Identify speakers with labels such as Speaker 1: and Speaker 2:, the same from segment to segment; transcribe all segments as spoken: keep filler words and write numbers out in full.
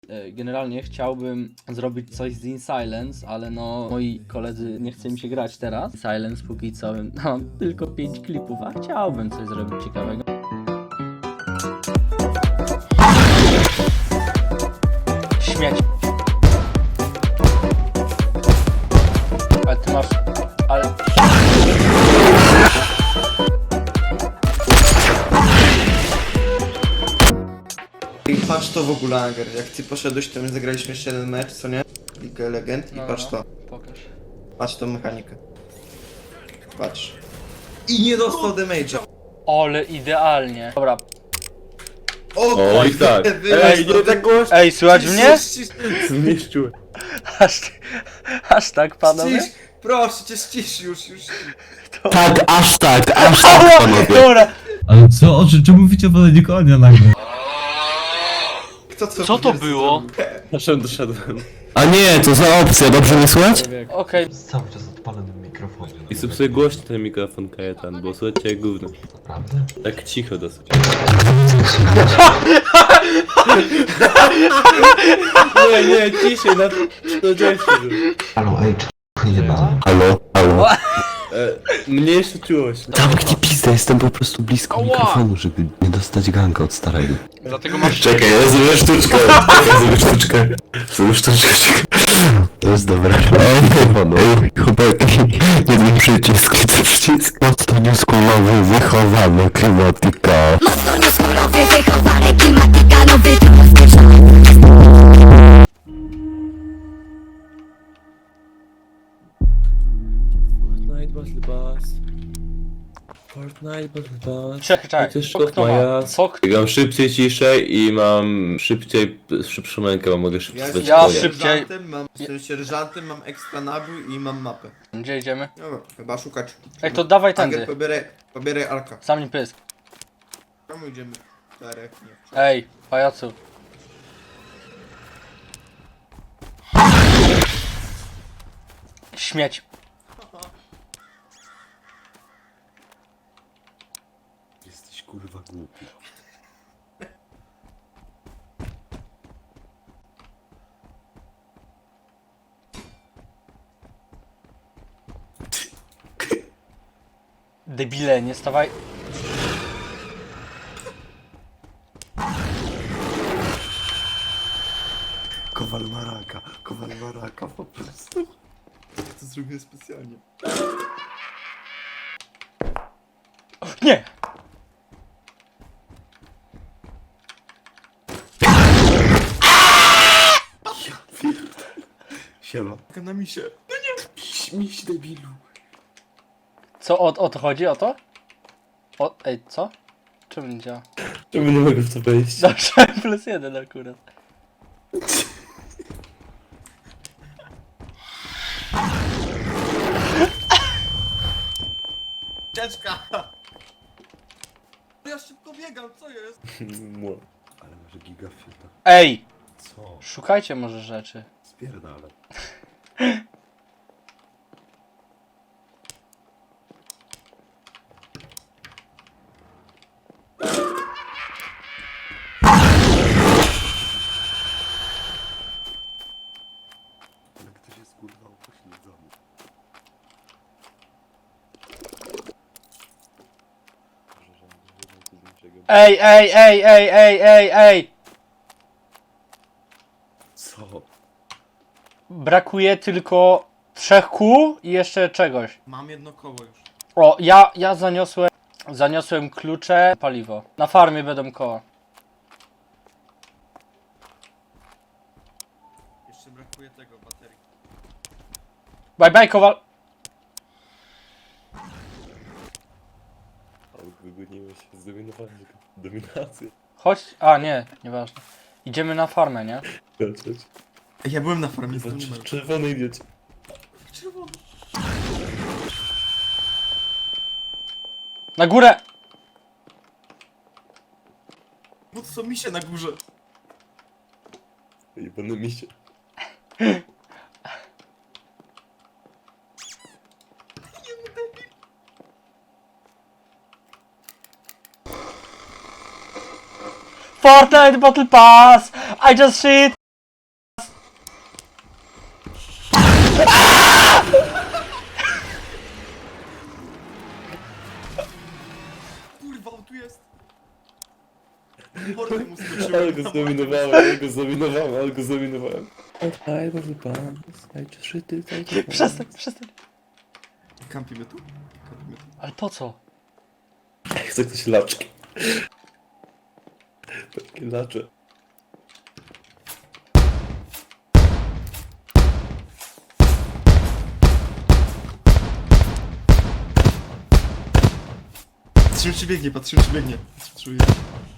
Speaker 1: Generalnie chciałbym zrobić coś z In Silence, ale no moi koledzy nie chce mi się grać teraz. Silence póki co no, mam tylko pięć klipów, a chciałbym coś zrobić ciekawego. Śmieć. Ale ty masz... ale...
Speaker 2: I patrz to w ogóle, Anger, jak ty poszedłeś, to my zagraliśmy jeszcze jeden mecz, co nie? Ligę Legend i
Speaker 1: No,
Speaker 2: patrz
Speaker 1: no.
Speaker 2: to.
Speaker 1: Pokaż.
Speaker 2: Patrz tą mechanikę. Patrz. I nie dostał damage'a.
Speaker 1: Ale idealnie. Dobra.
Speaker 2: O,
Speaker 3: O, i tak.
Speaker 2: Ej, nie tak głośno.
Speaker 1: Ej, słychać mnie?
Speaker 3: Zmieszczyłem.
Speaker 1: Aż, aż tak, panowie?
Speaker 2: Ścisz, proszę cię, ścisz już, już.
Speaker 4: Tak, aż tak, aż tak,
Speaker 1: Ała!
Speaker 4: panowie.
Speaker 1: Dobra.
Speaker 5: Ale co? O czym, czemu mówicie o waleniu konia nagle?
Speaker 2: Kto co,
Speaker 1: Co to było?
Speaker 3: Doszedłem, doszedłem.
Speaker 4: A nie, to za opcja, dobrze mnie słychać?
Speaker 1: Okej.
Speaker 6: Cały czas odpalonym mikrofonie.
Speaker 3: I sobie sobie głośno ten mikrofon, Kajetan, bo słuchajcie jak gówno.
Speaker 6: Naprawdę?
Speaker 3: Tak cicho dosyć. Nie, nie, ciszej, na to dzieci.
Speaker 6: Halo, ej, czy nie ma?
Speaker 4: Halo, halo.
Speaker 3: E, mniejsza czułość.
Speaker 4: Zamknij pizdę, jestem po prostu blisko
Speaker 1: Ała.
Speaker 4: mikrofonu, żeby nie dostać ganka od starego.
Speaker 1: Dlatego masz...
Speaker 4: Czekaj, ja zrobię sztuczkę, ja zrobię sztuczkę. Zrobię sztuczkę, czekaj. To jest dobre. Ej, panowie, chłopaki, jeden przycisk, ten przycisk. Mocno nieskórowy, wychowany, klimatyka.
Speaker 7: Mocno nieskórowy, wychowany, klimatyka, nowy typ rozpieszony.
Speaker 3: Fortnite Battle Pass. Fortnite Battle Pass.
Speaker 1: Czekaj, czekaj.
Speaker 3: To jest
Speaker 1: Co
Speaker 3: szok
Speaker 1: kto ma?
Speaker 3: Maja.
Speaker 1: Co kto?
Speaker 3: Gram szybciej, ciszej i mam szybciej, szybszą rękę, bo mogę szybciej
Speaker 2: Ja
Speaker 3: spać
Speaker 1: Ja
Speaker 3: konia.
Speaker 1: szybciej-
Speaker 2: sierżantem, mam, jestem sierżantem, mam ekstra nabój i mam mapę.
Speaker 1: Gdzie idziemy?
Speaker 2: Dobra, chyba szukać.
Speaker 1: Ej, to dawaj
Speaker 2: Anger,
Speaker 1: tędy.
Speaker 2: pobieraj, pobieraj Arka.
Speaker 1: Sam nie pysk.
Speaker 2: Czemu idziemy? Czterech, nie.
Speaker 1: Ej, pajacu. Śmieć.
Speaker 4: Jesteś kurwa głupi.
Speaker 1: Debile, nie stawaj.
Speaker 4: Kowal maraka, kowal maraka po prostu.
Speaker 2: To zrobię specjalnie.
Speaker 1: Nie!
Speaker 4: Siema.
Speaker 2: Taka na misie.
Speaker 4: Miś, miś debilu.
Speaker 1: Co, o, o to chodzi? O to? O, ej, co? Czemu nie działa?
Speaker 3: Czemu nie mogę w to wejść?
Speaker 1: Dobrze, plus jeden akurat.
Speaker 2: Cieczka! Ja szybko biegam, co jest?
Speaker 3: Mło.
Speaker 4: Ale masz gigafiuta.
Speaker 1: Ej!
Speaker 4: Co?
Speaker 1: Szukajcie może rzeczy.
Speaker 4: Spierdala. Ale ktoś jest kurwa upośledzony.
Speaker 1: Ej, ej, ej, ej, ej, ej, ej!
Speaker 4: Co?
Speaker 1: Brakuje tylko trzech kół i jeszcze czegoś.
Speaker 2: Mam jedno koło już.
Speaker 1: O, ja, ja zaniosłem, zaniosłem klucze, paliwo. Na farmie będą koła.
Speaker 2: Jeszcze brakuje tego, baterii.
Speaker 1: Bye bye, kowal.
Speaker 3: Ale wygoniłeś się, zdominowałem dominację.
Speaker 1: Chodź, a nie, nieważne. Idziemy na farmę, nie?
Speaker 3: Chodź,
Speaker 2: Ej, ja byłem na farmie z tym
Speaker 3: chodź.
Speaker 2: numerem.
Speaker 3: Czerwony idiocie.
Speaker 2: Czerwony.
Speaker 1: Na górę!
Speaker 2: Bo to są misie na górze.
Speaker 3: Jebane misie.
Speaker 1: Fortnite Battle Pass! I just shit!
Speaker 2: Kurwa, on tu jest. Mordę mu
Speaker 3: Ale
Speaker 2: skoczyłem.
Speaker 3: go zdominowałem, ale go zdominowałem, ale go zdominowałem. Ej, może pan, znajdź szyty,
Speaker 1: Przestań, przestań.
Speaker 2: Kampimy tu? Kampimy tu.
Speaker 1: Ale po co?
Speaker 3: Chce ktoś laczki. Takie lacze.
Speaker 2: Patrzymy czy biegnie, patrzymy czy biegnie. Patrzymy, czy biegnie.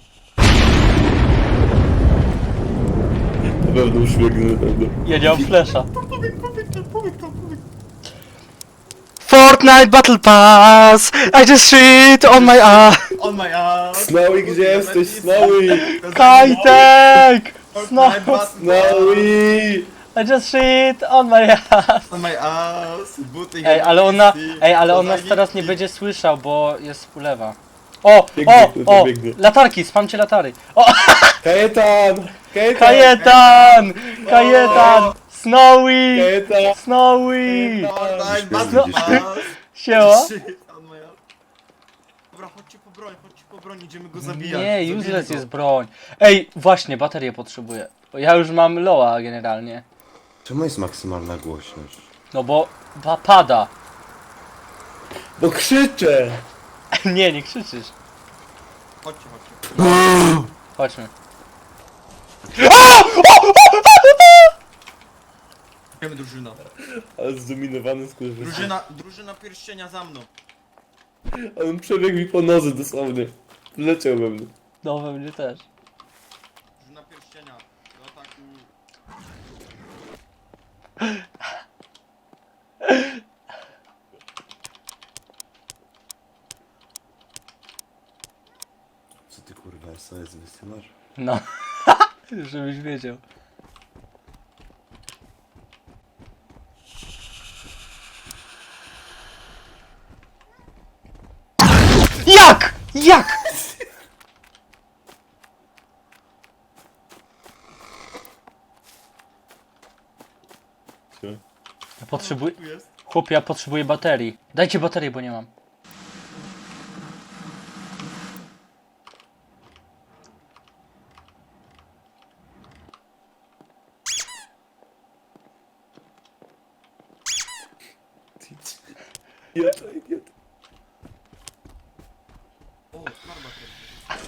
Speaker 3: Na pewno uśmiechnę, na pewno.
Speaker 1: Ja nie mam flesza.
Speaker 2: Pobieg, pobieg tam, pobieg tam, pobieg.
Speaker 1: Fortnite Battle Pass! I just shit on my ass!
Speaker 2: On my ass.
Speaker 3: Snowy, gdzie jesteś, Snowy?
Speaker 1: Kajtek!
Speaker 2: Fortnite Battle
Speaker 3: Snowy!
Speaker 1: I just shit on my ass!
Speaker 2: On my ass. Buty
Speaker 1: Ej, ale ona, ej, ale on nas
Speaker 2: Zajebisty.
Speaker 1: teraz nie będzie słyszał, bo jest ulewa. O,
Speaker 3: Biegnie,
Speaker 1: o,
Speaker 3: kurwa,
Speaker 1: o!
Speaker 3: biegnie.
Speaker 1: Latarki, spamcie latary. O,
Speaker 3: Kajetan! Kajetan!
Speaker 1: Kajetan! Kajetan! Snowy!
Speaker 3: Kajetan!
Speaker 1: Snowy!
Speaker 2: Fortnite Battle
Speaker 4: Widzisz mnie?
Speaker 2: Pass.
Speaker 1: Siema?
Speaker 2: Shit, on my ass. Dobra, chodźcie po broń, chodźcie po broń, idziemy go zabijać.
Speaker 1: Nie,
Speaker 2: Zabijemy
Speaker 1: useless
Speaker 2: go.
Speaker 1: jest broń. Ej, właśnie, baterię potrzebuję. Bo ja już mam loa generalnie.
Speaker 4: Czemu jest maksymalna głośność?
Speaker 1: No bo ba pada.
Speaker 3: Bo krzyczę!
Speaker 1: Nie, nie krzyczysz.
Speaker 2: Chodźcie, chodźcie.
Speaker 1: Chodźmy.
Speaker 2: Idziemy drużyna.
Speaker 3: Ale zdominowany skurwysyn.
Speaker 2: Drużyna, drużyna pierścienia za mną.
Speaker 3: On przebiegł mi po nodze dosłownie. Leciał we mnie.
Speaker 1: No we mnie też.
Speaker 2: Drużyna pierścienia. Do ataku.
Speaker 4: Co ty kurwa S O S wysyłasz?
Speaker 1: No. Żebyś wiedział. Jak? Jak?
Speaker 3: Co?
Speaker 1: Ja potrzebuję...
Speaker 2: Tu jest.
Speaker 1: Chłopie, ja potrzebuję baterii. Dajcie baterię, bo nie mam.
Speaker 3: Idiota, idiota.
Speaker 2: O, farba teraz.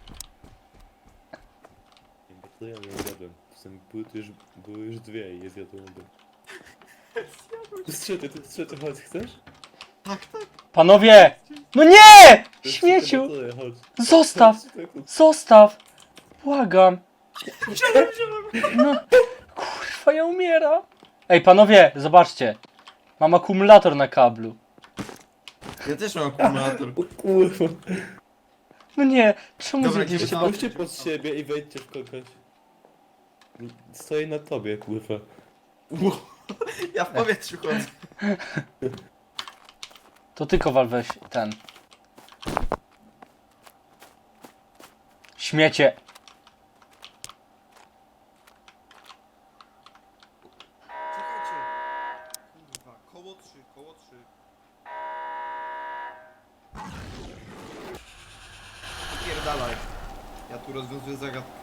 Speaker 3: To ja nie zjadłem. Czasem były, tu już, były już dwie i je zjadłem obie. Tu jest trzecia, tu jest trzecia, chodź, chcesz?
Speaker 2: Tak, tak.
Speaker 1: Panowie! No nie!
Speaker 3: To jest
Speaker 1: Śmieciu!
Speaker 3: trzecia bateria, chodź.
Speaker 1: Zostaw!
Speaker 3: Chodź, chodź.
Speaker 1: Zostaw! Błagam! No, kurwa, ja umieram. Ej, panowie, zobaczcie. Mam akumulator na kablu.
Speaker 2: Ja też mam akumulator.
Speaker 3: O kurwa.
Speaker 1: No nie, czemu
Speaker 2: Dobra,
Speaker 1: zjedliście
Speaker 2: idziemy
Speaker 1: baterię?
Speaker 3: Spójrzcie pod siebie i wejdźcie w kogoś. Stoję na tobie, kurwa.
Speaker 2: Ja w powietrzu chodzę.
Speaker 1: To ty, Kowal, weź ten. Śmiecie.
Speaker 2: Czekajcie. Kurwa, koło trzy, koło trzy. Pierdalaj. Ja tu rozwiązuję zagadkę.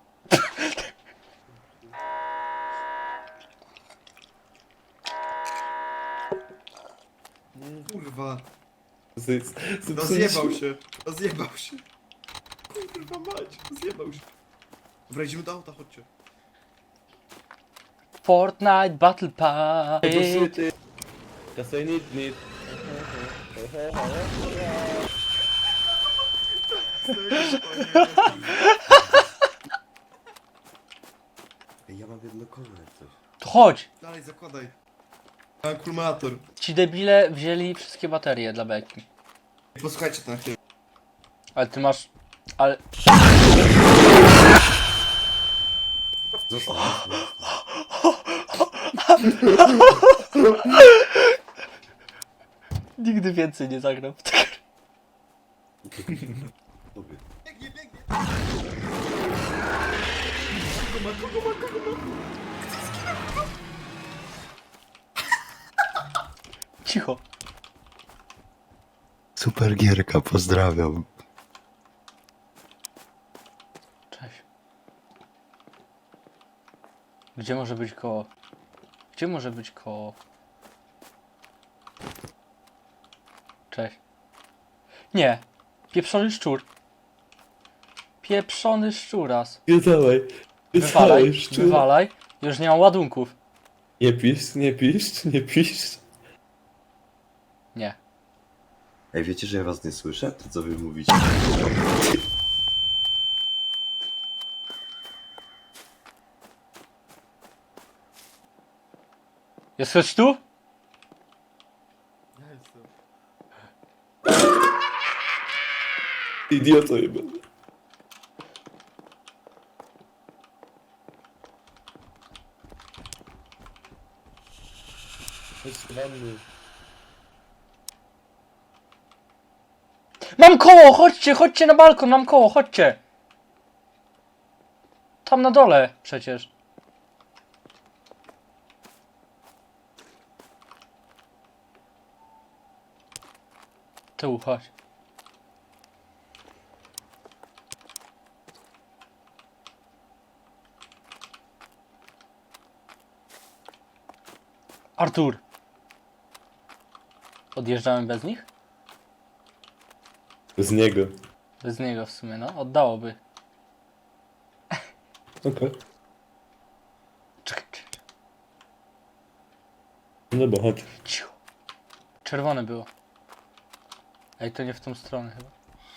Speaker 2: Kurwa,
Speaker 3: Z- z- z-
Speaker 2: rozjebał się, rozjebał się. Kurwa mać, rozjebał się. Dobra, idziemy do auta, chodźcie.
Speaker 1: Fortnite Battle Pass.
Speaker 3: Cause I need, need.
Speaker 4: Ej, ja mam jedno koło jak coś.
Speaker 1: To chodź.
Speaker 2: Dalej, zakładaj. Mam akumulator.
Speaker 1: Ci debile wzięli wszystkie baterie dla beki.
Speaker 2: Posłuchajcie to na chwilę.
Speaker 1: Ale ty masz... Ale...
Speaker 4: Zostaw.
Speaker 1: Nigdy więcej nie zagram w tę grę.
Speaker 4: Tobie.
Speaker 2: Biegnie, biegnie. Kogo ma, kogo ma, kogo ma? Kto zginął?
Speaker 1: cicho.
Speaker 4: Super gierka, pozdrawiam.
Speaker 1: Cześć. Gdzie może być koło? Gdzie może być koło? Cześć. Nie. Pieprzony szczur. Pieprzony szczuras.
Speaker 3: Nie dawaj. Nie
Speaker 1: Wywalaj,
Speaker 3: dawaj, szczur.
Speaker 1: wywalaj. Już nie mam ładunków.
Speaker 3: Nie pisz, nie pisz, nie pisz.
Speaker 1: Nie.
Speaker 4: Ej, wiecie, że ja was nie słyszę? To co wy mówicie?
Speaker 1: Jest ktoś tu?
Speaker 3: Idioto jebany. Chodź do wanny.
Speaker 1: Mam koło, chodźcie, chodźcie na balkon, mam koło, chodźcie. Tam na dole przecież. Tu, chodź. Artur. Odjeżdżamy bez nich?
Speaker 3: Z niego.
Speaker 1: Bez niego w sumie, no. Oddałoby.
Speaker 3: Okej.
Speaker 1: Czekaj, czekaj.
Speaker 3: No bo chodź.
Speaker 1: Cicho. Czerwone było. Ej, to nie w tą stronę chyba.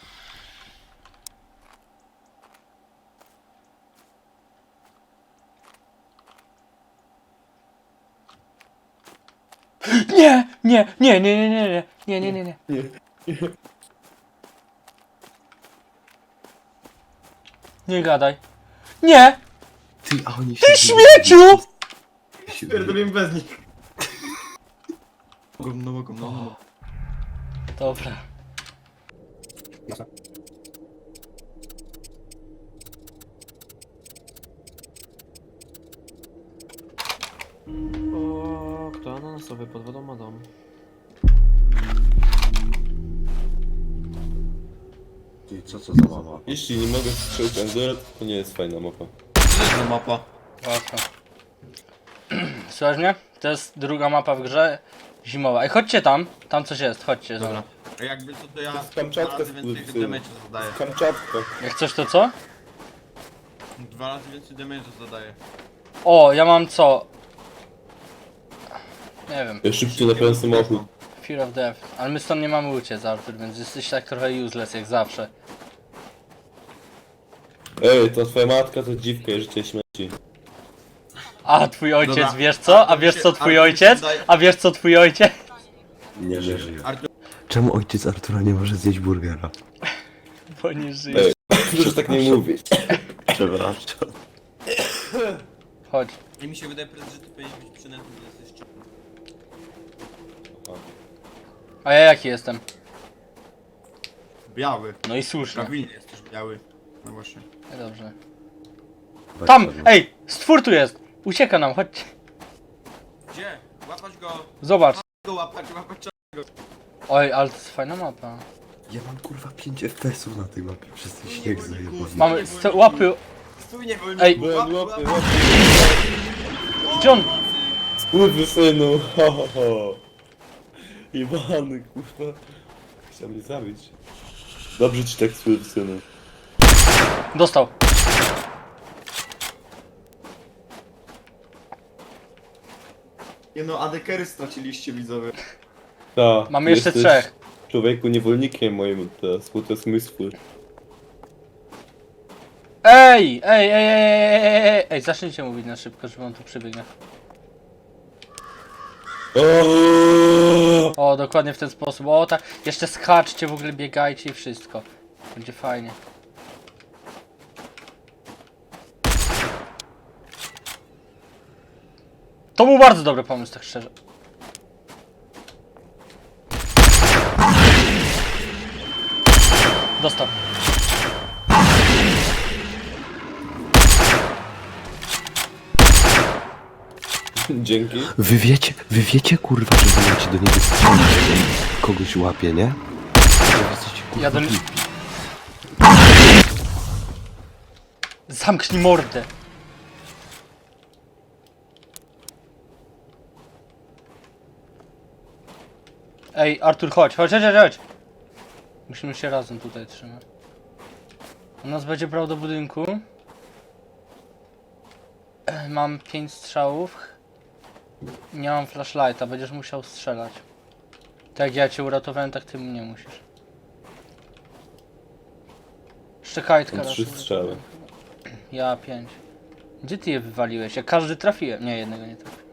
Speaker 1: Nie! Nie! Nie, nie, nie, nie, nie, nie, nie, nie, nie.
Speaker 3: Nie.
Speaker 1: Nie gadaj. Nie!
Speaker 4: Ty, a oni
Speaker 1: Ty śmieciu!
Speaker 2: Pierdolimy bez nich. Mogą, no mogą, no mogą.
Speaker 1: Dobra.
Speaker 8: O, kto ananasowy pod wodą ma dom?
Speaker 4: Ty, co co za mama?
Speaker 3: Jeśli nie mogę strzelić Endura, to nie jest fajna mapa.
Speaker 2: To mapa.
Speaker 1: Łatwo. Słuchaj mnie? To jest druga mapa w grze. Zimowa. Ej, chodźcie tam. Tam coś jest, chodźcie.
Speaker 2: Dobra. A jakby co to ja
Speaker 3: To jest Kamczatka
Speaker 2: dwa razy
Speaker 3: z
Speaker 2: więcej
Speaker 3: Turcji.
Speaker 2: damage'a zadaję.
Speaker 3: Kamczatka.
Speaker 1: Jak coś to co?
Speaker 2: Dwa razy więcej damage'a zadaję.
Speaker 1: O, ja mam co? Nie wiem.
Speaker 3: Ja szybciej naprawiam samochód.
Speaker 1: Fear of Death. Ale my stąd nie mamy uciec, Artur, więc jesteś tak trochę useless jak zawsze.
Speaker 3: Ej, to twoja matka to dziwka i życie śmierci.
Speaker 1: A twój ojciec,
Speaker 2: Dobra.
Speaker 1: wiesz co? A
Speaker 2: Artur
Speaker 1: wiesz
Speaker 2: się-
Speaker 1: co twój
Speaker 2: Artur się
Speaker 1: ojciec?
Speaker 2: daje-
Speaker 1: A wiesz co twój ojciec?
Speaker 4: Nie żyje.
Speaker 2: Artur,
Speaker 4: Czemu ojciec Artura nie może zjeść burgera?
Speaker 1: Bo nie żyje.
Speaker 3: Ej, proszę tak nie mówić.
Speaker 4: Przepraszam.
Speaker 1: Chodź.
Speaker 2: i mi się wydaje, prezes, że ty powinieneś być przynętny, bo jesteś czym.
Speaker 1: A ja jaki jestem?
Speaker 2: Biały.
Speaker 1: No i słusznie.
Speaker 2: Prawilnie jesteś biały. No właśnie.
Speaker 1: No dobrze. Tam! Ej! Stwór tu jest! Ucieka nam, chodźcie.
Speaker 2: Gdzie? Łapać go!
Speaker 1: Zobacz.
Speaker 2: Go łapać, łapać.
Speaker 1: Oj, ale to jest fajna mapa.
Speaker 4: Ja mam kurwa pięć F P S-ów na tej mapie przez ten śnieg zajebany.
Speaker 1: Mamy st- łapy.
Speaker 2: Stój, nie wolno.
Speaker 1: Ej.
Speaker 3: Łapy, łapy, łapy.
Speaker 1: Gdzie on?
Speaker 3: Skurwy synu, ho ho ho. Iwany, kurwa. Chciał mnie zabić. Dobrze ci tak skurwy synu.
Speaker 1: Dostał.
Speaker 2: Nie no, adekery straciliście, widzowie.
Speaker 3: Ta,
Speaker 1: Mamy jeszcze
Speaker 3: jesteś
Speaker 1: trzech.
Speaker 3: Człowieku niewolnikiem moim teraz, bo to jest mój swój.
Speaker 1: Ej! Ej, ej, ej, ej, ej, ej, ej, zacznijcie mówić na szybko, żeby on tu przybiegnie.
Speaker 3: Oooo!
Speaker 1: O, dokładnie w ten sposób. O, tak. Jeszcze skaczcie, w ogóle biegajcie i wszystko. Będzie fajnie. To był bardzo dobry pomysł, tak szczerze. Dostał.
Speaker 3: Dzięki.
Speaker 4: Wy wiecie, wy wiecie kurwa, że wy macie do niego strzelić, kogoś łapie, nie? Wy jesteście, kurwa,
Speaker 1: Ja do-
Speaker 4: głupi.
Speaker 1: Zamknij mordę! Ej, Artur, chodź, chodź, chodź, chodź, chodź! Musimy się razem tutaj trzymać. On nas będzie brał do budynku. Mam pięć strzałów. Nie mam flashlighta, będziesz musiał strzelać. Tak jak ja cię uratowałem, tak ty mnie musisz. Szczekajtka
Speaker 3: Mam
Speaker 1: raz.
Speaker 3: trzy strzały.
Speaker 1: Ja pięć. Gdzie ty je wywaliłeś? Ja każdy trafiłem. Nie, jednego nie trafiłem.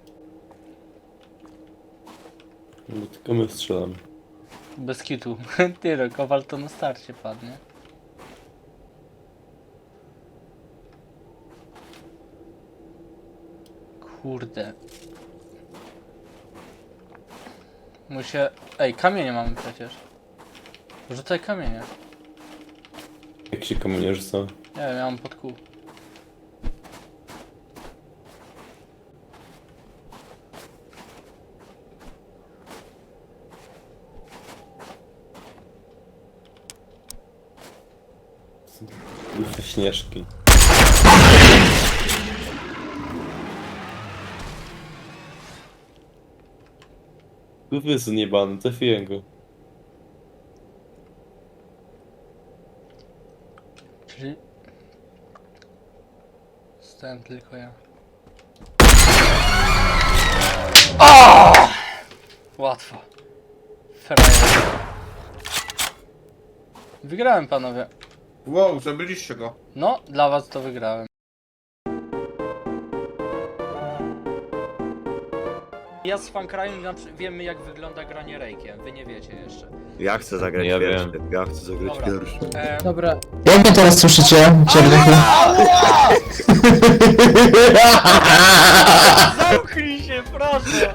Speaker 3: Bo tylko my strzelamy.
Speaker 1: Bez kitu. Ty, Kowal to na starcie padnie. Kurde. Muszę... Ej, kamienie mamy przecież. Rzucaj kamienie.
Speaker 3: Jak się kamienie rzuca?
Speaker 1: Nie wiem, ja mam pod kół.
Speaker 3: Kurwa, śnieżki. Kurwa jest zniebany, trafiłem go.
Speaker 1: Czyli... Stałem tylko ja. O! Łatwo. Frajer. Wygrałem, panowie.
Speaker 2: Wow, zabiliście go.
Speaker 1: No, dla was to wygrałem. Ja z Fankrajem wiemy, jak wygląda granie rejkiem. Wy nie wiecie jeszcze.
Speaker 4: Ja chcę zagrać
Speaker 3: Ja
Speaker 4: pierwszy,
Speaker 3: wiem.
Speaker 4: ja chcę zagrać
Speaker 1: Dobra.
Speaker 4: pierwszy.
Speaker 1: E,
Speaker 9: Dobra. Jak mnie teraz słyszycie? Czernychu?
Speaker 1: Zamknij się, proszę!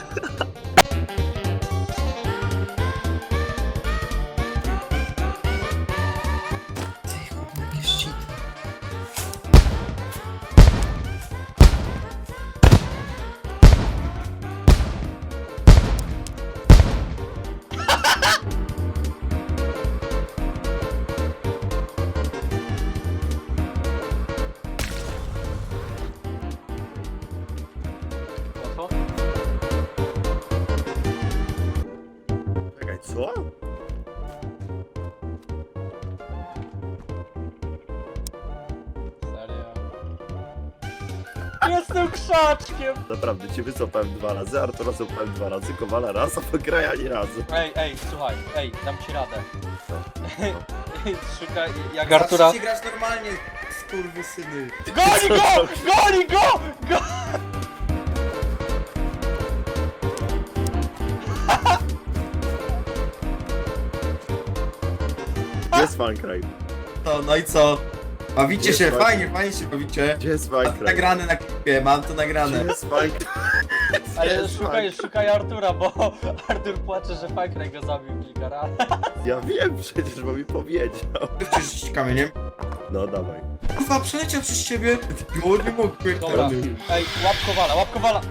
Speaker 1: Łatwo?
Speaker 4: Czekaj, co?
Speaker 1: Serio? Jestem krzaczkiem!
Speaker 4: Naprawdę, cię wycofałem dwa razy, Artura cofałem dwa razy, Kowala raz, a Fankraja ani razu.
Speaker 1: Ej, ej, słuchaj, ej, dam ci radę. Szukaj, jak Artura...
Speaker 2: Zacznijcie grać normalnie, skurwysyny.
Speaker 1: Goni go! Goni go! Go!
Speaker 4: Gdzie jest Fankraj?
Speaker 2: To, no i co? Bawicie się,
Speaker 4: Jest
Speaker 2: fajnie, fajnie się bawicie.
Speaker 4: Gdzie jest
Speaker 2: Mam to
Speaker 4: Fankraj?
Speaker 2: nagrane na klipie, mam to
Speaker 4: Gdzie
Speaker 2: nagrane.
Speaker 4: jest Fankraj?
Speaker 1: Ale szukaj, szukaj Artura, bo Artur płacze, że Fankraj go zabił kilka razy.
Speaker 4: Ja wiem przecież, bo mi powiedział.
Speaker 2: Przecież kamieniem.
Speaker 4: No dawaj.
Speaker 2: Kurwa, przeleciał przez ciebie. Jo, nie mógł,
Speaker 1: Dobra, ej, łap Kowala, łap Kowala!